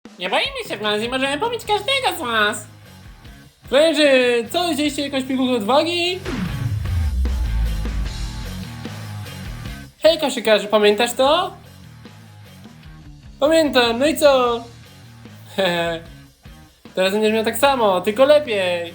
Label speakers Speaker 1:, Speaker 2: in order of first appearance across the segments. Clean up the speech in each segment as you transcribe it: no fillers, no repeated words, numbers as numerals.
Speaker 1: Nie boimy się w nas i możemy pobić każdego z was. Frajerzy, co, widzieliście jakąś pigułkę odwagi? Hej koszykarzu, pamiętasz to? Pamiętam, no i co? Hehe. Teraz będziesz miał tak samo, tylko lepiej.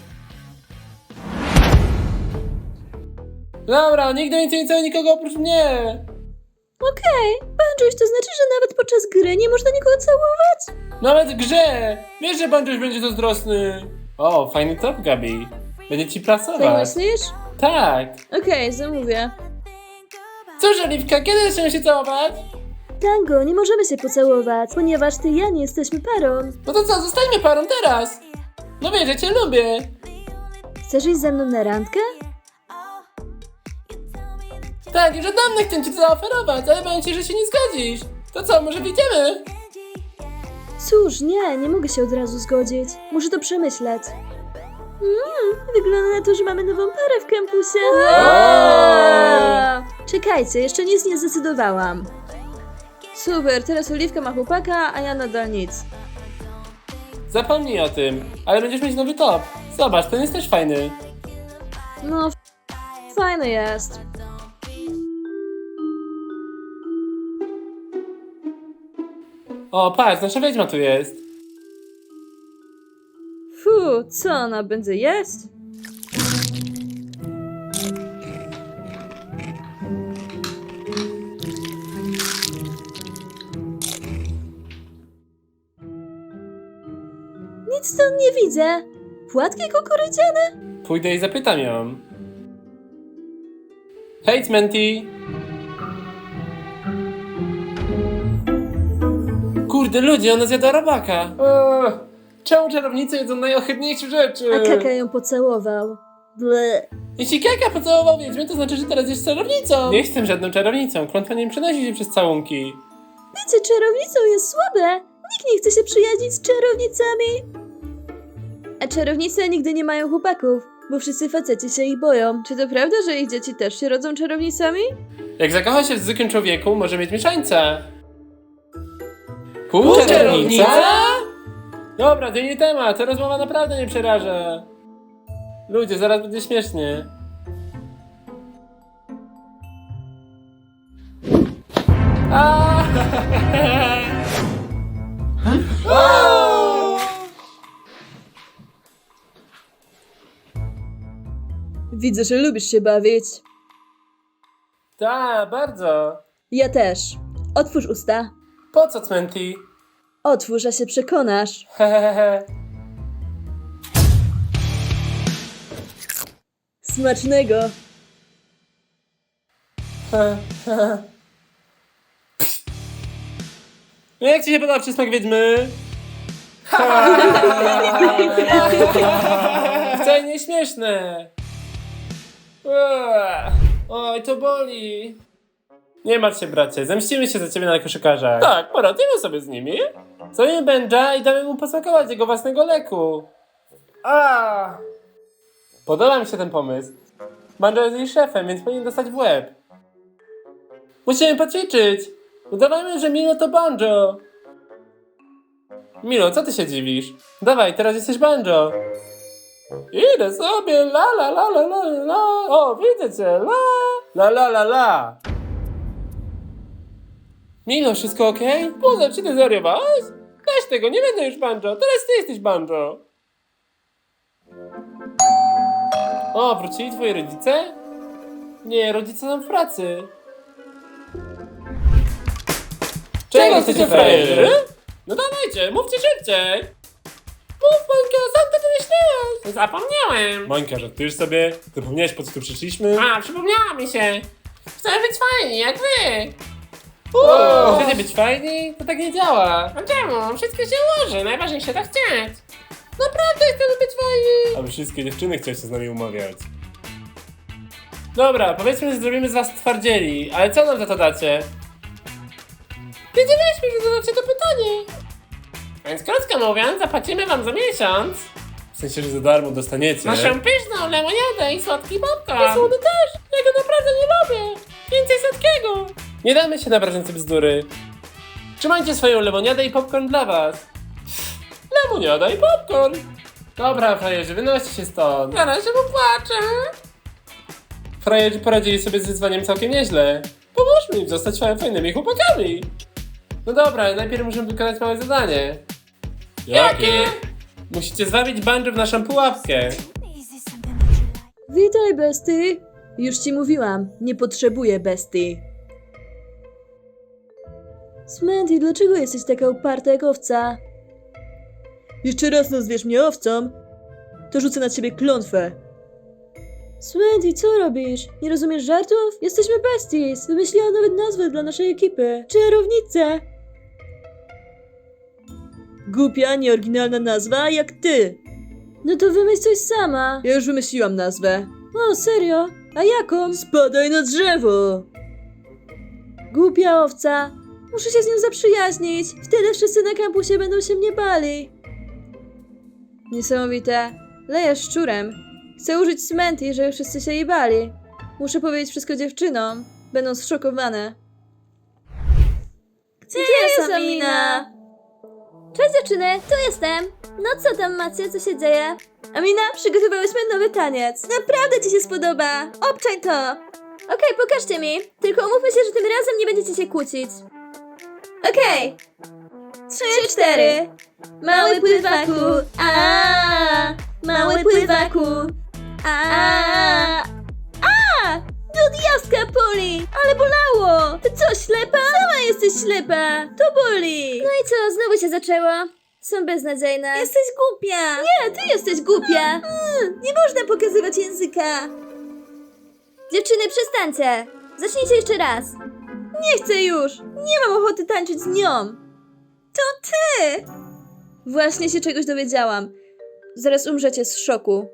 Speaker 1: Dobra, nigdy więcej nie całuj nikogo oprócz mnie.
Speaker 2: Okej, Banjoś, to znaczy, że nawet podczas gry nie można nikogo całować?
Speaker 1: Nawet w grze. Wiesz, że Banjoś będzie zazdrosny. O, fajny top, Gabi. Będzie ci
Speaker 2: Tak
Speaker 1: pracować.
Speaker 2: myślisz?
Speaker 1: Tak.
Speaker 2: Okej, zamówię.
Speaker 1: Cóż, Oliwka, kiedy zaczniemy się całować?
Speaker 2: Tango, nie możemy się pocałować, ponieważ ty i ja nie jesteśmy parą.
Speaker 1: No to co, zostańmy parą teraz. No wiesz, ja cię lubię.
Speaker 2: Chcesz iść ze mną na randkę?
Speaker 1: Tak, już od dawna chcę ci to zaoferować, ale boję się, że się nie zgodzisz. To co, może wyjdziemy?
Speaker 2: Cóż, nie mogę się od razu zgodzić. Muszę to przemyśleć. Wygląda na to, że mamy nową parę w kampusie. Czekajcie, jeszcze nic nie zdecydowałam. Super, teraz Oliwka ma chłopaka, a ja nadal nic.
Speaker 1: Zapomnij o tym, ale będziesz mieć nowy top. Zobacz, ten jest też fajny.
Speaker 2: No, fajny jest.
Speaker 1: O, patrz, nasza wiedźma tu jest.
Speaker 2: Co ona będzie jeść? Nic stąd nie widzę. Płatki kukurydziane?
Speaker 1: Pójdę i zapytam ją. Hej, Cmenti. Kurde, ludzie, ona zjada robaka. Czemu czarownice jedzą najohydniejsze rzeczy?
Speaker 2: A Kaka ją pocałował. Ble.
Speaker 1: Jeśli Kaka pocałował wiedźmę, to znaczy, że teraz jest czarownicą. Nie jestem żadną czarownicą, klątwa nie przenosi się przez całunki.
Speaker 2: Bycie czarownicą jest słabe. Nikt nie chce się przyjaźnić z czarownicami. A czarownice nigdy nie mają chłopaków, bo wszyscy faceci się ich boją. Czy to prawda, że ich dzieci też się rodzą czarownicami?
Speaker 1: Jak zakocha się w zwykłym człowieku, może mieć mieszańca. Półczarownica? Dobra, to nie temat, ta rozmowa naprawdę nie przeraża. Ludzie, zaraz będzie śmiesznie.
Speaker 2: Widzę, że lubisz się bawić.
Speaker 1: Tak, bardzo.
Speaker 2: Ja też. Otwórz usta.
Speaker 1: Po co, Cmenti?
Speaker 2: Otwórz, a się przekonasz.
Speaker 1: Hehehe.
Speaker 2: Smacznego.
Speaker 1: No jak ci się podoba przysmak wiedźmy? Wcale nie śmieszne. Oj, to boli. Nie martw się, bracie, zemścimy się za ciebie na koszykarzach. Tak, poradzimy sobie z nimi. Zajmiemy Benja i damy mu posmakować jego własnego leku. Podoba mi się ten pomysł. Banjo jest jej szefem, więc powinien dostać w łeb. Musimy poćwiczyć. Udawajmy, że Milo to Banjo. Milo, co ty się dziwisz? Dawaj, teraz jesteś Banjo. Idę sobie, la la la la la la. O, widzę cię, la la la la la. Milo, wszystko okej? Poza, czy ty zwariowałeś? Weź tego, nie będę już Banjo, teraz ty jesteś Banjo. O, wrócili twoi rodzice? Nie, rodzice są w pracy. Czego chcecie, frajerzy? No dawajcie, mówcie szybciej. Mów, Mońka, sam to wymyśliłeś. Zapomniałem. Mońka, żartujesz sobie? Zapomniałeś, po co tu przyszliśmy? A, przypomniała mi się. Chcemy być fajni, jak wy. Chcecie być fajni? To tak nie działa. A czemu? Wszystko się ułoży, najważniejsze to chcieć. Naprawdę chcemy być fajni. Aby wszystkie dziewczyny chciały się z nami umawiać. Dobra, powiedzmy, że zrobimy z was twardzieli, ale co nam za to dacie? Wiedzieliśmy, że zadacie to pytanie. Więc krótko mówiąc, zapłacimy wam za miesiąc. W sensie, że za darmo dostaniecie naszą pyszną lemoniadę i słodki popcorn. I słody też, ja go naprawdę nie lubię. Więcej słodkiego. Nie damy się na brażące bzdury. Trzymajcie swoją lemoniadę i popcorn dla was. lemoniada i popcorn. Dobra, frajerzy, wynoście się stąd. Na razie popłaczę. Frajerzy poradzili sobie z wyzwaniem całkiem nieźle. Pomóżmy im zostać fajnymi chłopakami. No dobra, ale najpierw musimy wykonać małe zadanie. Jakie? Musicie zwabić Banjo w naszą pułapkę.
Speaker 2: Witaj, bestii. Już ci mówiłam, nie potrzebuję bestii. Smanty, dlaczego jesteś taka uparta jak owca? Jeszcze raz nazwiesz mnie owcą, to rzucę na ciebie klątwę. Smanty, co robisz? Nie rozumiesz żartów? Jesteśmy besties. Wymyśliłam nawet nazwę dla naszej ekipy. Czarownica. Głupia, nieoryginalna nazwa, jak ty. No to wymyśl coś sama. Ja już wymyśliłam nazwę. O, serio? A jaką? Spadaj na drzewo. Głupia owca. Muszę się z nią zaprzyjaźnić. Wtedy wszyscy na kampusie będą się mnie bali. Niesamowite. Leja szczurem. Chcę użyć Smanty, żeby wszyscy się jej bali. Muszę powiedzieć wszystko dziewczynom. Będą zszokowane. Gdzie jest Amina? Cześć dziewczyny, tu jestem. No co tam macie, co się dzieje? Amina, przygotowałyśmy nowy taniec. Naprawdę ci się spodoba. Obczaj to. Okej, pokażcie mi. Tylko umówmy się, że tym razem nie będziecie się kłócić. Okej. 3, 4. Mały pływaku. A, mały pływaku. A. Do diaska boli! Ale bolało! Ty co, ślepa? Sama jesteś ślepa! To boli! No i co, znowu się zaczęło? Są beznadziejne. Jesteś głupia! Nie, ty jesteś głupia! Nie można pokazywać języka! Dziewczyny, przestańcie! Zacznijcie jeszcze raz! Nie chcę już! Nie mam ochoty tańczyć z nią! To ty! Właśnie się czegoś dowiedziałam. Zaraz umrzecie z szoku.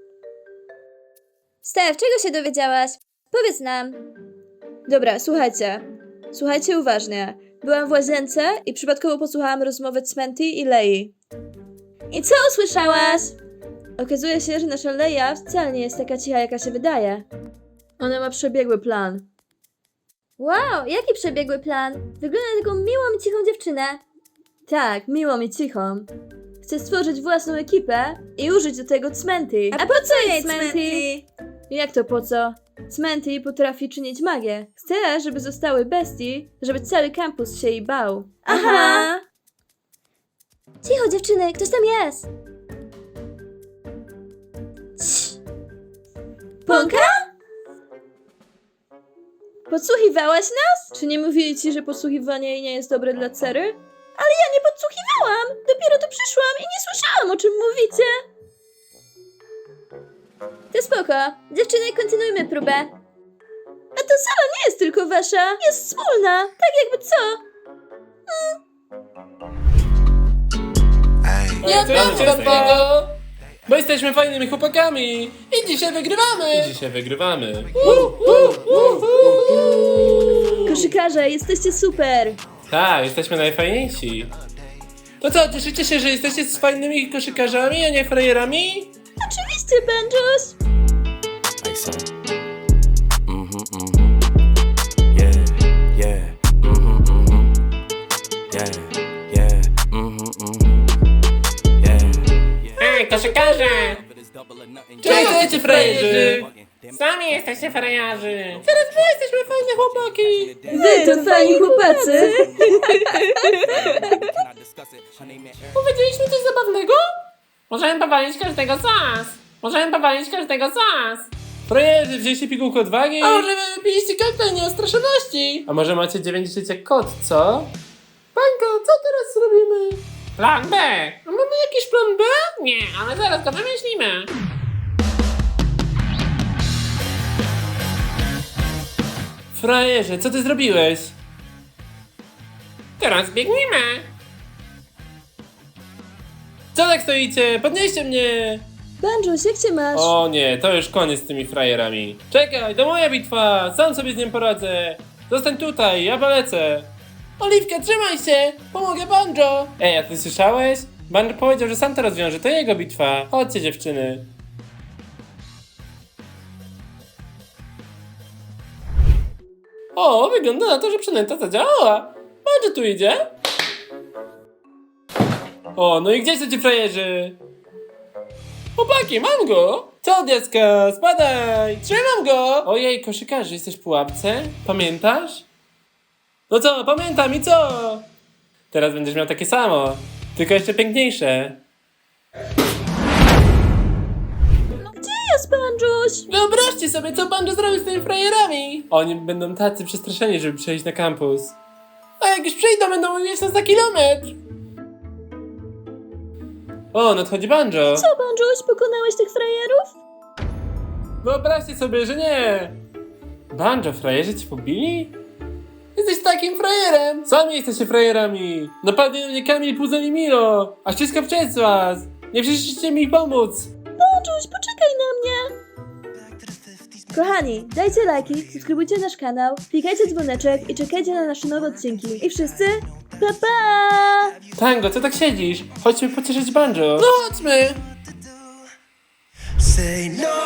Speaker 2: Stef, czego się dowiedziałaś? Powiedz nam. Dobra, słuchajcie. Słuchajcie uważnie. Byłam w łazience i przypadkowo posłuchałam rozmowy Smanty i Lei. I co usłyszałaś? Okazuje się, że nasza Leia wcale nie jest taka cicha, jaka się wydaje. Ona ma przebiegły plan. Wow, jaki przebiegły plan? Wygląda na taką miłą i cichą dziewczynę. Tak, miłą i cichą. Chcę stworzyć własną ekipę i użyć do tego Smanty. A po co jej Smanty? Jak to po co? Smanty potrafi czynić magię. Chcę, żeby zostały bestii, żeby cały kampus się jej bał. Aha! Cicho dziewczyny, ktoś tam jest! Cii. Ponka? Podsłuchiwałaś nas? Czy nie mówili ci, że podsłuchiwanie jej nie jest dobre dla Cery? Ale ja nie podsłuchiwałam! Dopiero tu przyszłam i nie słyszałam, o czym mówicie! To spoko. Dziewczyny, kontynuujmy próbę. A to sala nie jest tylko wasza, jest wspólna. Tak jakby co?
Speaker 1: Nie odbieram tego! Bo jesteśmy fajnymi chłopakami! I dzisiaj wygrywamy!
Speaker 2: Koszykarze, jesteście super.
Speaker 1: Tak, jesteśmy najfajniejsi. To co, cieszycie się, że jesteście z fajnymi koszykarzami, a nie frajerami?
Speaker 2: Oczywiście, Benjos.
Speaker 3: Like so. Yeah, yeah. Yeah, yeah. Yeah.
Speaker 1: Ej, koszykarze! Czego chcecie, frajerzy? Sami jesteście frajerzy! Teraz my jesteśmy fajne chłopaki!
Speaker 2: Wy to fajni chłopacy.
Speaker 1: Powiedzieliśmy coś zabawnego? Możemy powalić każdego z was! Frajerzy, wzięliście pigułkę odwagi? A może wypiliście koktajl nieostraszoności? A może macie 9 żyć jak kot, co? Bańko, co teraz robimy? Plan B! A mamy jakiś plan B? Nie, ale zaraz go wymyślimy. Frajerze, co ty zrobiłeś? Teraz biegnijmy! Co tak stoicie? Podnieście mnie!
Speaker 2: Benjos, jak cię masz?
Speaker 1: O nie, to już koniec z tymi frajerami. Czekaj, to moja bitwa! Sam sobie z nim poradzę! Zostań tutaj, ja polecę! Oliwka, trzymaj się! Pomogę Banjo! Ej, a ty słyszałeś? Banjo powiedział, że sam to rozwiąże, to jego bitwa. Chodźcie, dziewczyny. O, wygląda na to, że przynęta zadziałała. Banjo tu idzie. O, no i gdzie są ci frajerzy? Chłopaki, mam go! Co, dziecko? Spadaj! Trzymam go! Ojej, koszykarzu, jesteś w pułapce? Pamiętasz? No co, pamiętam i co? Teraz będziesz miał takie samo, tylko jeszcze piękniejsze.
Speaker 2: Gdzie jest Banjuś?
Speaker 1: Wyobraźcie sobie, co Banjo zrobił z tymi frajerami! Oni będą tacy przestraszeni, żeby przejść na kampus. A jak już przyjdą, będą mówić nas za kilometr! O, nadchodzi Banjo!
Speaker 2: Co, Banjuś, pokonałeś tych frajerów?
Speaker 1: Wyobraźcie sobie, że nie! Banjo, frajerzy cię pobili? Jesteś takim frajerem! Sami jesteście frajerami! Napadli na mnie Kamil, Puzel i Milo! A wszystko przez was! Nie przyszliście mi pomóc!
Speaker 2: Banjuś, poczekaj na mnie! Kochani, dajcie lajki, subskrybujcie nasz kanał, klikajcie dzwoneczek i czekajcie na nasze nowe odcinki. I wszyscy, pa pa!
Speaker 1: Tango, co tak siedzisz? Chodźmy pocieszyć Banjo! No chodźmy!
Speaker 4: Say no